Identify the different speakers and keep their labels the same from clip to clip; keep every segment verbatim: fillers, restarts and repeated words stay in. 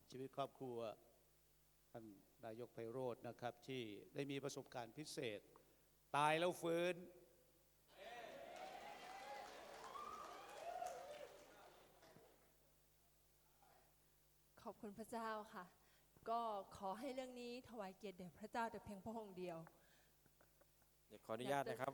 Speaker 1: ชีวิตครอบครัวท่านนายกไพโรจน์นะครับที่ได้มีประสบการณ์พิเศษตายแล้วฟื้น
Speaker 2: ขอบคุณพระเจ้าค่ะก็ขอให้เรื่องนี้ถวายเกียรติแด่พระเจ้าแต่เพียงพระองค์เดียว
Speaker 3: เดี๋ยวขออนุญาตนะครับ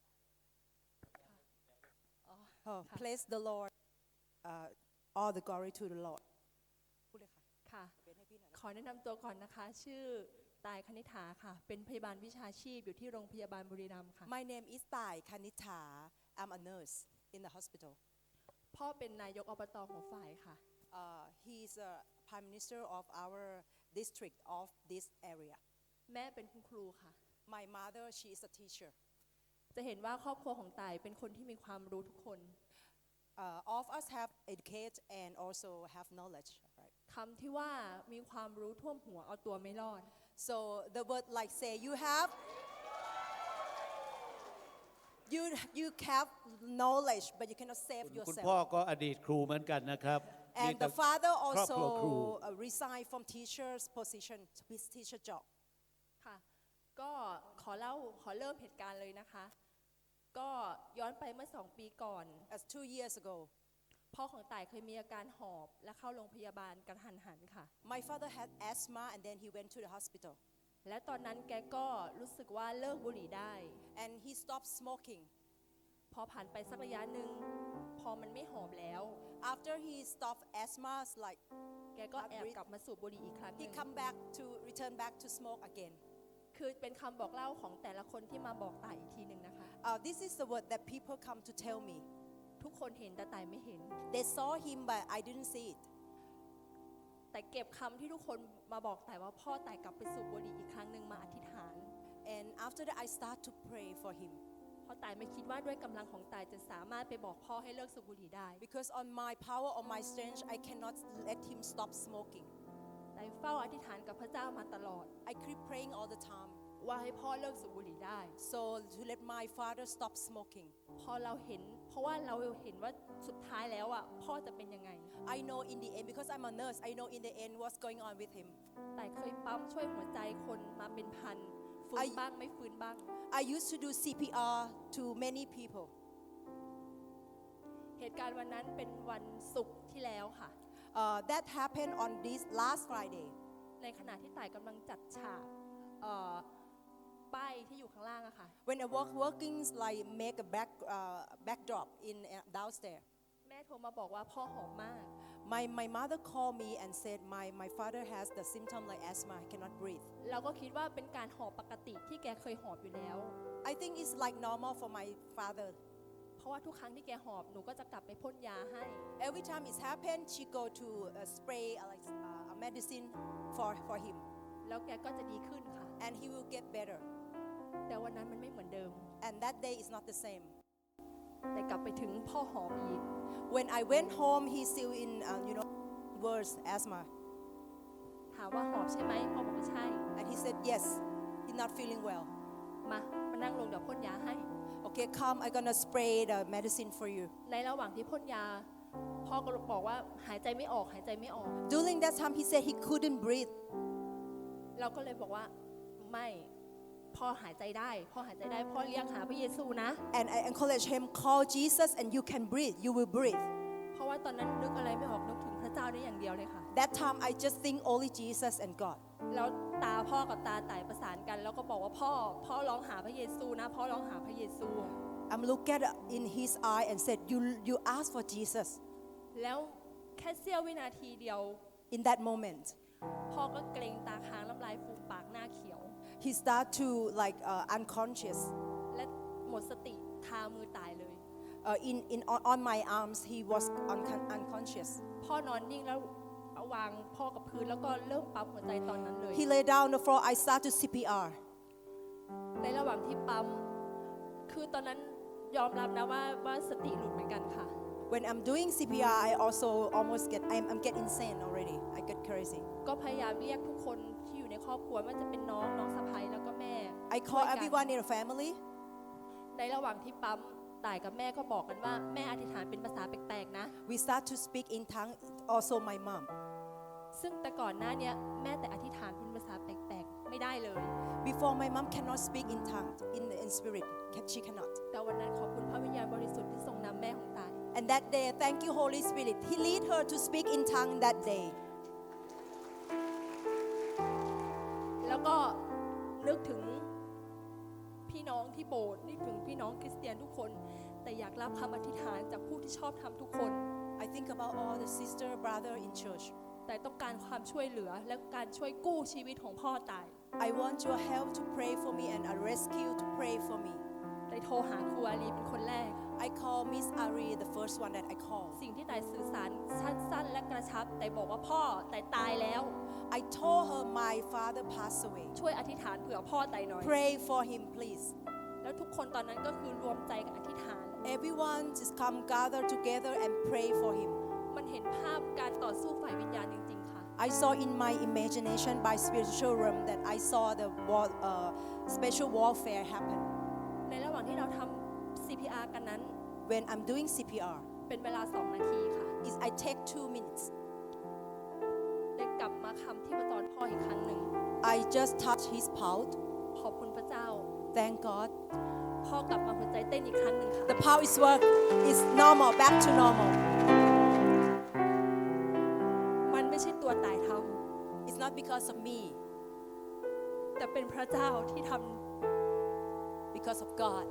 Speaker 4: Oh, praise the Lord. Uh, all the glory to the Lord. พูดเลยค่ะ
Speaker 2: ค่ะ
Speaker 4: เป็นให้พี่หน่อยนะ
Speaker 2: ขอแนะนำตัวก่อนนะคะชื่อตายคณิษฐาค่ะเป็นพยาบาลวิชาชีพอยู่ที่โรงพยาบาลบุรีรัมย์ค่ะ
Speaker 4: My name is Tai Kanitha. I'm a nurse in the hospital.
Speaker 2: พ่อเป็นนายกอบตหัวฝ่ายค่ะ
Speaker 4: Uh, he's a prime minister of our district of this area.
Speaker 2: แม่เป็นคุณครูค่ะ
Speaker 4: My mother, she is a teacher.
Speaker 2: จะเห็นว่าครอบครัวของตายเป็นคนที่มีความรู้ทุกคน
Speaker 4: Uh, all of us have educate and also have knowledge. Right?
Speaker 2: คำที่ว่ามีความรู้ท่วมหัวเอาตัวไม่รอด
Speaker 4: So the word like say you have you you have knowledge, but you cannot save
Speaker 1: คุณ
Speaker 4: yourself.
Speaker 1: พ่อก็อดีตครูเหมือนกันนะครับ
Speaker 4: And the father
Speaker 1: ครอบครัวครู
Speaker 4: also uh, resigned from teacher's position, his teacher job.
Speaker 2: ค่ะก็ขอเล่าขอเริ่มเหตุการณ์เลยนะคะก็ย้อนไปเมื่อสองปีก่อน
Speaker 4: As two years ago,
Speaker 2: พ่อของต่ายเคยมีอาการหอบและเข้าโรงพยาบาลกระทันหันค่ะ
Speaker 4: my father had asthma and then he went to the hospital.
Speaker 2: และตอนนั้นแกก็รู้สึกว่าเลิกบุหรี่ได้
Speaker 4: And he stopped smoking.
Speaker 2: พอผ่านไปสักระยะหนึ่งพอมันไม่หอมแล้ว
Speaker 4: After he stopped asthma, it's like
Speaker 2: แกก็แอบกลับมาสูบบุหรี่อีกครั้งห
Speaker 4: he
Speaker 2: นึ่ง
Speaker 4: come back to return back to smoke again.
Speaker 2: คือเป็นคำบอกเล่าของแต่ละคนที่มาบอกต่ายอีกทีหนึ่งนะคะ
Speaker 4: Uh, this is the word that people come to tell me.
Speaker 2: ทุกคนเห็นแต่ต่ายไม่เห็น
Speaker 4: They saw him, but I didn't see it.
Speaker 2: แต่เก็บคำที่ทุกคนมาบอกต่ายว่าพ่อต่ายกลับไปสูบบุหรี่อีกครั้งหนึ่งมาอธิษฐาน
Speaker 4: And after that, I start to pray for him.
Speaker 2: เพราะต่ายไม่คิดว่าด้วยกำลังของต่ายจะสามารถไปบอกพ่อให้เลิกสูบบุหรี่ได้
Speaker 4: Because on my power, on my strength, I cannot let him stop smoking.
Speaker 2: ต่ายเฝ้าอธิษฐานกับพระเจ้ามาตลอด
Speaker 4: I keep praying all the time.
Speaker 2: ว่าให้พ่อเลิกสูบบุหรี่ได้
Speaker 4: So to let my father stop smoking.
Speaker 2: พอเราเห็นเพราะว่าเราเห็นว่าสุดท้ายแล้วอ่ะพ่อจะเป็นยังไง
Speaker 4: I know in the end, because I'm a nurse, I know in the end what's going on with him.
Speaker 2: แต่เคยปั๊มช่วยหัวใจคนมาเป็นพันฟื้น
Speaker 4: I-
Speaker 2: บ้างไม่ฟื้นบ้าง
Speaker 4: I used to do C P R to many people.
Speaker 2: เหตุการณ์วันนั้นเป็นวันศุกร์ที่แล้วค่ะ
Speaker 4: Uh, that happened on this last Friday.
Speaker 2: ในขณะที่ต่ายกำลังจัดฉากเอ่อป้ายที่อยู่ข้างล่างอะค่ะ
Speaker 4: When I work working like make a back uh, backdrop in uh, downstairs.
Speaker 2: แม่โทรมาบอกว่าพ่อหอมมาก
Speaker 4: My my mother called me and said my my father has the symptom like asthma, he cannot breathe.
Speaker 2: เราก็คิดว่าเป็นการหอบปกติที่แกเคยหอบอยู่แล้ว
Speaker 4: I think it's like normal for my father.
Speaker 2: เพราะว่าทุกครั้งที่แกหอบหนูก็จะกลับไปพ่นยาให้
Speaker 4: Every time it's happened, she go to uh, spray uh, like uh, a medicine for for him,
Speaker 2: แล้วแกก็จะดีขึ้นค่ะ
Speaker 4: and he will get better.
Speaker 2: แต่วันนั้นมันไม่เหมือนเดิม
Speaker 4: And that day is not the same.
Speaker 2: แต่กลับไปถึงพ่อหอมอีก
Speaker 4: When I went home, he's still in uh, you know worse asthma,
Speaker 2: ถามว่าหอบใช่ไหมพ่อบอกว่าใช่
Speaker 4: and he said yes, he's not feeling well.
Speaker 2: มามานั่งลงเดี๋ยวพ่นยาให้
Speaker 4: Okay, come, I'm gonna spray the medicine for you.
Speaker 2: ในระหว่างที่พ่นยา พ่อก็บอกว่าหายใจไม่ออกหายใจไม่ออก
Speaker 4: During that time, he said he couldn't breathe.
Speaker 2: เราก็เลยบอกว่าไม่พ่อหายใจได้พ่อหายใจได้พ่อเรียกหาพระเยซูนะ
Speaker 4: And I encourage him, call Jesus and you can breathe, you will breathe.
Speaker 2: เพราะว่าตอนนั้นนึกอะไรไม่ออกนึกถึงพระเจ้าได้อย่างเดียวเลยค่ะ
Speaker 4: That time, I just think only Jesus and God.
Speaker 2: แล้วตาพ่อกับตาต่ายประสานกัน แล้วก็บอกว่าพ่อพ่อร้องหาพระเยซูนะพ่อร้องหาพระเยซู
Speaker 4: I'm looking at in his eye and said, you, you ask for Jesus.
Speaker 2: แล้วแค่เสี้ยววินาทีเดียว
Speaker 4: In that moment,
Speaker 2: พ่อก็เกรงตาค้างน้ำลายฟูมปากหน้าเขียว
Speaker 4: he start to like uh, unconscious.
Speaker 2: และหมดสติคามือตายเลย
Speaker 4: Uh, in, in, on, on my arms, he was uncon- unconscious.
Speaker 2: พ่อนอนนิ่งแล้วเอาวางพ่อกับพื้นแล้วก็เริ่มปั๊มหัวใจตอนนั้นเลย
Speaker 4: He lay down on the floor, I start to C P R.
Speaker 2: ในระหว่างที่ปั๊มคือตอนนั้นยอมรับนะว่าว่าสติหลุดเหมือนกันค่ะ
Speaker 4: When I'm doing C P R, I also almost get, I'm, I'm get insane already. I get crazy.
Speaker 2: ก็พยายามเรียกทุกคนที่อยู่ในครอบครัวว่าจะเป็นน้องน้องสะใภ้แล้วก็แม่
Speaker 4: I
Speaker 2: ช่วย
Speaker 4: call
Speaker 2: กัน
Speaker 4: everyone in the family.
Speaker 2: ในระหว่างที่ปั๊มต่ายกับแม่ก็บอกกันว่าแม่อธิษฐานเป็นภาษาแปลกๆนะ
Speaker 4: We start to speak in tongue, also my mom.
Speaker 2: ซึ่งแต่ก่อนหน้าเนี้ยแม่แต่อธิษฐานเป็นภาษาแปลกๆ ไม่ได้เลย
Speaker 4: Before, my mom cannot speak in tongues, in, in spirit. Ca- She cannot.
Speaker 2: แต่วันนั้นขอบคุณพระวิญญาณบริสุทธิ์ที่ทรงนำแม่ของตาย
Speaker 4: And that day, thank you, Holy Spirit. He lead her to speak in tongue that day.
Speaker 2: แล้วก็นึกถึงพี่น้องที่โบสถ์นึกถึงพี่น้องคริสเตียนทุกคน แต่อยากรับคำอธิษฐานจากผู้ที่ชอบทำทุกคน
Speaker 4: I think about all the sister, brother in church.
Speaker 2: แต่ต้องการความช่วยเหลือและการช่วยกู้ชีวิตของพ่อตาย
Speaker 4: I want your help to pray for me and a rescue to pray for me.
Speaker 2: ได้โทรหาครูอาลีเป็นคนแรก
Speaker 4: I call Miss Ari, the first one that I call.
Speaker 2: สิ่งที่ตายสื่อสารสั้นๆ และกระชับ แต่บอกว่าพ่อแต่ตายแล้ว
Speaker 4: I told her my father passed away.
Speaker 2: ช่วยอธิษฐานเผื่อพ่อตายหน่อย
Speaker 4: Pray for him, please.
Speaker 2: แล้วทุกคนตอนนั้นก็คือรวมใจกันอธิษฐาน
Speaker 4: Everyone just come gather together and pray for him.
Speaker 2: มันเห็นภาพการต่อสู้ฝ่ายวิญญาณจริงๆ ค่ะ
Speaker 4: I saw in my imagination by spiritual realm that I saw the war, uh, special warfare happen.
Speaker 2: ในระหว่างที่เราทำ ซี พี อาร์ กันนั้น
Speaker 4: When I'm doing C P R,
Speaker 2: เป็นเวลาสองนาทีค่ะ
Speaker 4: is I take two minutes.
Speaker 2: ได้กลับมาคำที่ประจรพ่ออีกครั้งหนึ่ง
Speaker 4: I just touch his pulse.
Speaker 2: ขอบคุณพระเจ้า
Speaker 4: Thank God.
Speaker 2: พ่อกลับมาหัวใจเต้นอีกครั้งหนึ่งค่ะ
Speaker 4: The pulse is work is normal, back to normal.
Speaker 2: มันไม่ใช่ตัวตายท
Speaker 4: It's not because of me,
Speaker 2: ำแต่เป็นพระเจ้าที่ท
Speaker 4: because of God.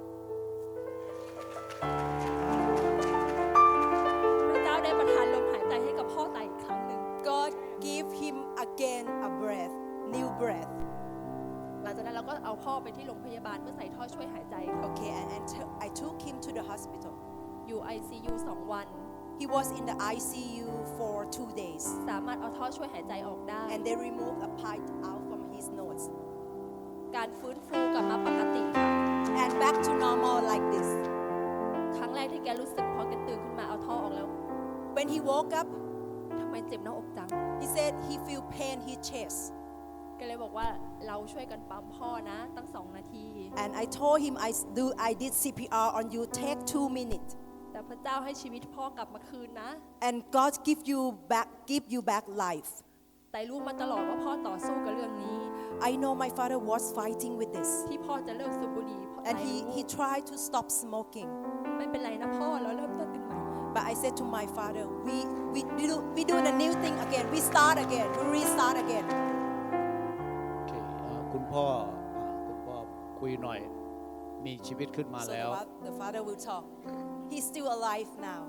Speaker 2: ำพระเจ้าได้ประทานลมหายใจให้กับพ่อตายอีกครั้งหนึ่ง
Speaker 4: God give him again a breath, new breath.
Speaker 2: หลังจากนั้นเราก็เอาพ่อไปที่โรงพยาบาลเพื่อใส่ท่อช่วยหายใจค่ะ
Speaker 4: Okay, and, and t- I took him to the hospital.
Speaker 2: อยู่ ไอ ซี ยู สองวัน
Speaker 4: He was in the I C U for two days,
Speaker 2: สามารถเอาท่อช่วยหายใจออกได้
Speaker 4: and they removed a pipe out from his nose.
Speaker 2: การฟื้นฟูกลับมาปกติค่ะ
Speaker 4: And back to normal like this.
Speaker 2: ครั้งแรกที่แกรู้สึกพอแกตื่นขึ้นมาเอาท่อออกแล้ว
Speaker 4: When he woke up,
Speaker 2: ทำไมเจ็บหน้าอกจัง
Speaker 4: he said he feel pain in his chest.
Speaker 2: แกเลยบอกว่าเราช่วยกันปั๊มพ่อนะ ตั้งสองนาที
Speaker 4: And I told him I s- do I did C P R on you. Take two minutes.
Speaker 2: แต่พระเจ้าให้ชีวิตพ่อกลับมาคืนนะ
Speaker 4: And God give you back give you back life.
Speaker 2: แต่รู้มาตลอดว่าพ่อต่อสู้กับเรื่องนี้
Speaker 4: I know my father was fighting with this.
Speaker 2: ที่พ่อจะเลิกสูบบุหรี่เพราะ
Speaker 4: And
Speaker 2: ตาย
Speaker 4: he,
Speaker 2: รู้
Speaker 4: he tried to stop smoking.
Speaker 2: ไม่เป็นไรนะพ่อเราเริ่มต้นกันใหม่
Speaker 4: But I said to my father, we, we, do, we do the new thing again. We start again. We restart again.
Speaker 1: โอเคเอ่อคุณพ่ออ่าคุณพ่อคุยหน่อย มีชีวิตขึ้นมา
Speaker 4: So
Speaker 1: แล้ว
Speaker 4: the, fa- the father will talk. He's still alive now.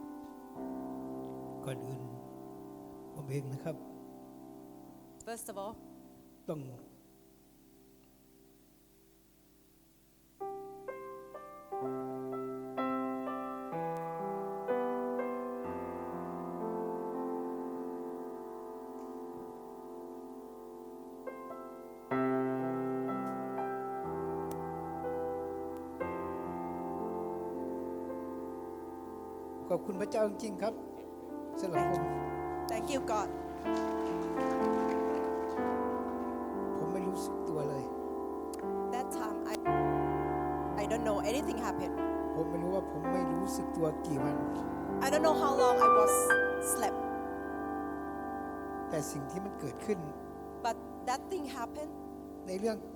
Speaker 5: ก่อนอื่นผมเองนะครับ
Speaker 4: First of all,
Speaker 5: ต้องขอบคุณพระเจ้าจริงๆครับสำหรับผม
Speaker 4: thank you, God.
Speaker 5: ผมไม่รู้สึกตัวเลย
Speaker 4: That time, I, I don't know anything happened.
Speaker 5: ผมไม่รู้ว่าผมไม่รู้สึกตัวกี่วัน
Speaker 4: I don't know how long I was slept.
Speaker 5: แต่สิ่งที่มันเกิดขึ้น
Speaker 4: But that thing happened.
Speaker 5: ในเรื่อง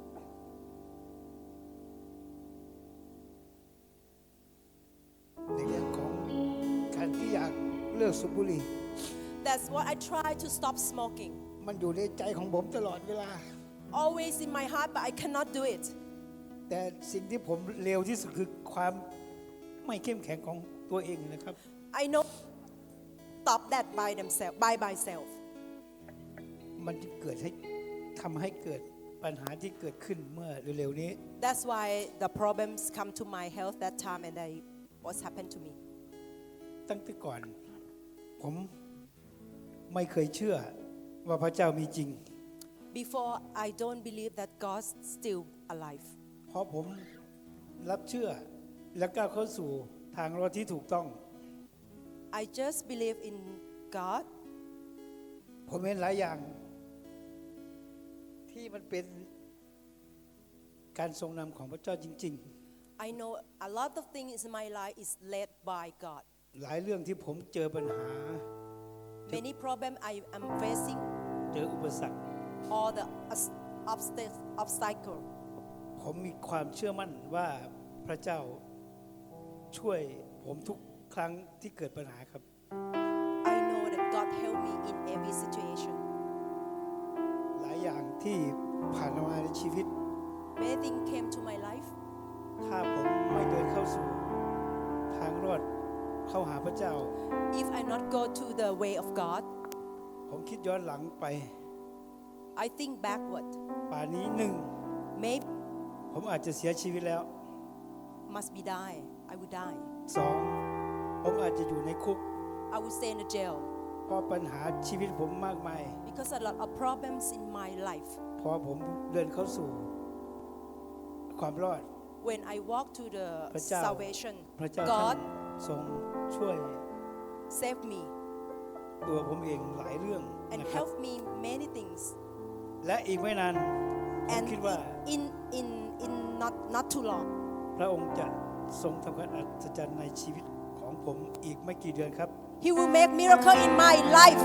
Speaker 5: ในเรื่องของการที่อยากเลิกสูบบุหรี่
Speaker 4: That's what I try to stop smoking.
Speaker 5: มันอยู่ในใจของผมตลอดเวลา
Speaker 4: Always in my heart, but I cannot do it.
Speaker 5: แต่สิ่งที่ผมเลวที่สุดคือความไม่เข้มแข็งของตัวเองนะครับ
Speaker 4: I know stop that by themselves, by myself.
Speaker 5: มันจะเกิดให้ทำให้เกิดปัญหาที่เกิดขึ้นเมื่อเร็วๆนี้
Speaker 4: That's why the problems come to my health that time, and I, what's happened to me.
Speaker 5: ตั้งแต่ก่อน ผมไม่เคยเชื่อว่าพระเจ้ามีจริง
Speaker 4: Before, I don't believe that God's still alive.
Speaker 5: เพราะผมรับเชื่อและก้าวเข้าสู่ทางรอดที่ถูกต้อง
Speaker 4: I just believe in God.
Speaker 5: ผมเห็นหลายอย่าง ที่มันเป็นการทรงนำของพระเจ้าจริง
Speaker 4: I know a lot of things in my life is led by God.
Speaker 5: ๆ หลายเรื่องที่ผมเจอปัญหา ท
Speaker 4: Many problem I am facing,
Speaker 5: เจออุปสรรค
Speaker 4: all the obs- obstac- obstacle.
Speaker 5: ผมมีความเชื่อมั่นว่าพระเจ้าช่วยผมทุกครั้งที่เกิดปัญหาครับ
Speaker 4: I know that God help me in every situation.
Speaker 5: หลายอย่างที่ผ่านมาในชีวิต
Speaker 4: Many things came to my life.
Speaker 5: ถ้าผมไม่เดินเข้าสู่ทางรอดเข้าหาพระเจ้า
Speaker 4: If I not go to the way of God,
Speaker 5: ผมคิดย้อนหลังไป
Speaker 4: I think backward.
Speaker 5: ป่านนี้หนึ่ง
Speaker 4: Maybe
Speaker 5: ผมอาจจะเสียชีวิตแล้ว
Speaker 4: must be die. I would die.
Speaker 5: สองผมอาจจะอยู่ในคุก
Speaker 4: I would stay in the jail
Speaker 5: เพราะปัญหาชีวิตผมมากมาย
Speaker 4: because a lot of problems in my life.
Speaker 5: พอผมเดินเข้าสู่ความรอด
Speaker 4: When I walk to the
Speaker 5: พระเจ้า
Speaker 4: salvation,
Speaker 5: พระเจ้าท่าน
Speaker 4: God
Speaker 5: ทรงช่วย
Speaker 4: save me
Speaker 5: ตัวผมเองหลายเรื่อง
Speaker 4: and
Speaker 5: นะครับ
Speaker 4: help me many things.
Speaker 5: และอีกไม่นานผม
Speaker 4: And
Speaker 5: คิดว่า
Speaker 4: in in in not not too long,
Speaker 5: พระองค์จะทรงทำการอัศจรรย์ในชีวิตของผมอีกไม่กี่เดือนครับ
Speaker 4: He will make miracle in my life.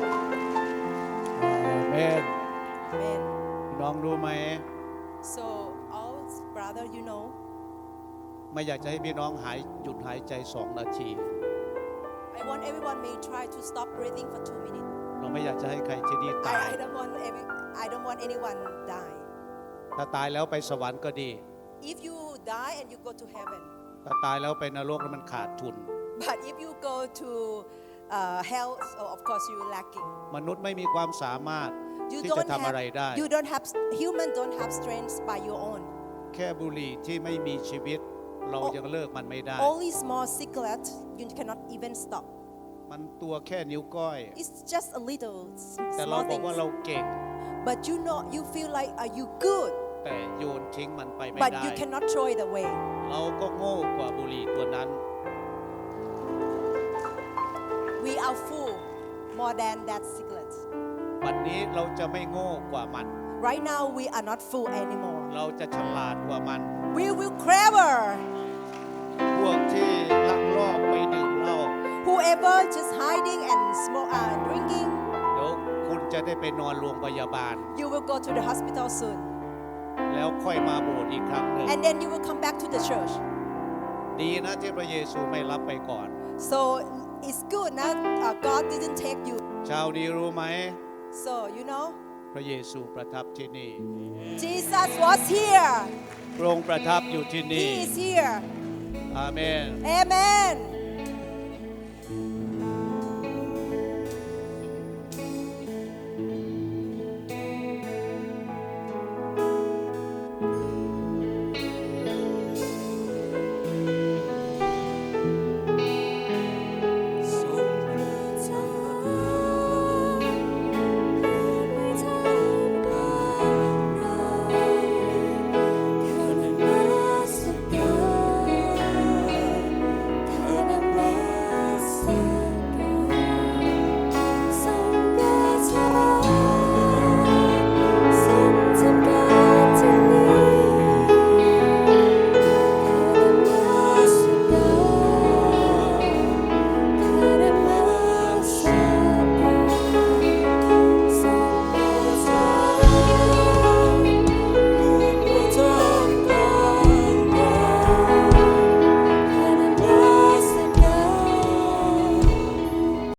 Speaker 1: อาเมน
Speaker 4: Amen.
Speaker 1: พี่น้องรู้ไหม
Speaker 4: So, all brother, you know,
Speaker 1: ไม่อยากจะให้พี่น้องหายหยุดหายใจสองนาที
Speaker 4: I want everyone may try to stop breathing for two minutes.
Speaker 1: เราไม่อยากจะให้ใครที่นี่ตาย
Speaker 4: I, I don't want every, I don't want anyone die.
Speaker 1: ถ้าตายแล้วไปสวรรค์ก็ดี
Speaker 4: If you die and you go to heaven,
Speaker 1: ถ้าตายแล้วไปนรกแล้วมันขาดทุน
Speaker 4: but if you go to uh, hell, so of course you lacking.
Speaker 1: มนุษย์ไม่มีความสามารถ
Speaker 4: You
Speaker 1: ที่จะ
Speaker 4: don't
Speaker 1: ทำอะไร
Speaker 4: have,
Speaker 1: ได้
Speaker 4: you don't have, human don't have strength by your own.
Speaker 1: แค่บุหรี่ที่ไม่มีชีวิต เรายังเลิกมันไม่ได้
Speaker 4: Only small cigarette, you cannot even stop.
Speaker 1: มันตัวแค่นิ้วก้อย
Speaker 4: It's just a little s-
Speaker 1: แต่เรา
Speaker 4: small
Speaker 1: บอกว่าเรา
Speaker 4: things.
Speaker 1: เก่ง
Speaker 4: But you know, you feel like, are you good?
Speaker 1: แต่โยนทิ้งมันไปไม่
Speaker 4: But
Speaker 1: ได้
Speaker 4: you cannot throw it away.
Speaker 1: เราก็โง่กว่าบุหรี่ตัวนั้น
Speaker 4: We are full more than that cigarette.
Speaker 1: วันนี้เราจะไม่โง่กว่ามัน
Speaker 4: Right now, we are not full anymore.
Speaker 1: เราจะฉลาดกว่ามัน
Speaker 4: We will clever.
Speaker 1: พวกที่ลักลอบไปดื่มเหล้า
Speaker 4: Whoever just hiding and smoke, uh, drinking,
Speaker 1: เดี๋ยวคุณจะได้ไปนอนโรงพยาบาล
Speaker 4: you will go to the hospital soon.
Speaker 1: แล้วค่อยมาโบสถ์อีกครั้งหนึ่ง
Speaker 4: And then you will come back to the church.
Speaker 1: ดีนะที่พระเยซูไม่รับไปก่อน
Speaker 4: So it's good now uh, God didn't take you.
Speaker 1: ชาวดีรู้ไหม
Speaker 4: So, you know,
Speaker 1: พระเยซูประทับที่นี่
Speaker 4: Jesus was here.
Speaker 1: พระองค์ประทับอยู่ที่นี่
Speaker 4: He is here.
Speaker 1: อาเมน
Speaker 4: Amen.